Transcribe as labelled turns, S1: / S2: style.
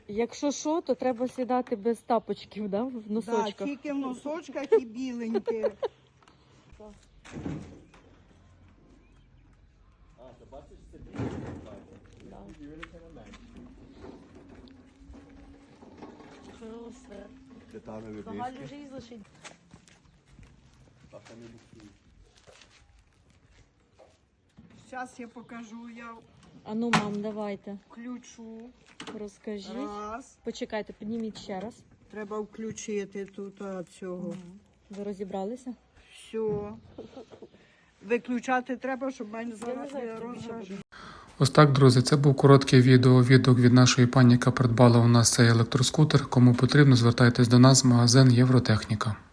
S1: Якщо що, то треба сідати без тапочків, да? В носочках.
S2: Так, тільки в носочках і біленькі. Зараз я покажу, я
S1: А ну, мам, давайте,
S2: включу.
S1: розкажіть.
S2: Раз.
S1: Почекайте, підніміть ще раз.
S2: Треба включити тут цього.
S1: Ви розібралися?
S2: Все. Виключати треба, щоб мене зараз не розражено.
S3: Ось так, друзі, це був короткий відео від нашої пані, яка придбала у нас цей електроскутер. Кому потрібно, звертайтесь до нас в магазин Євротехніка.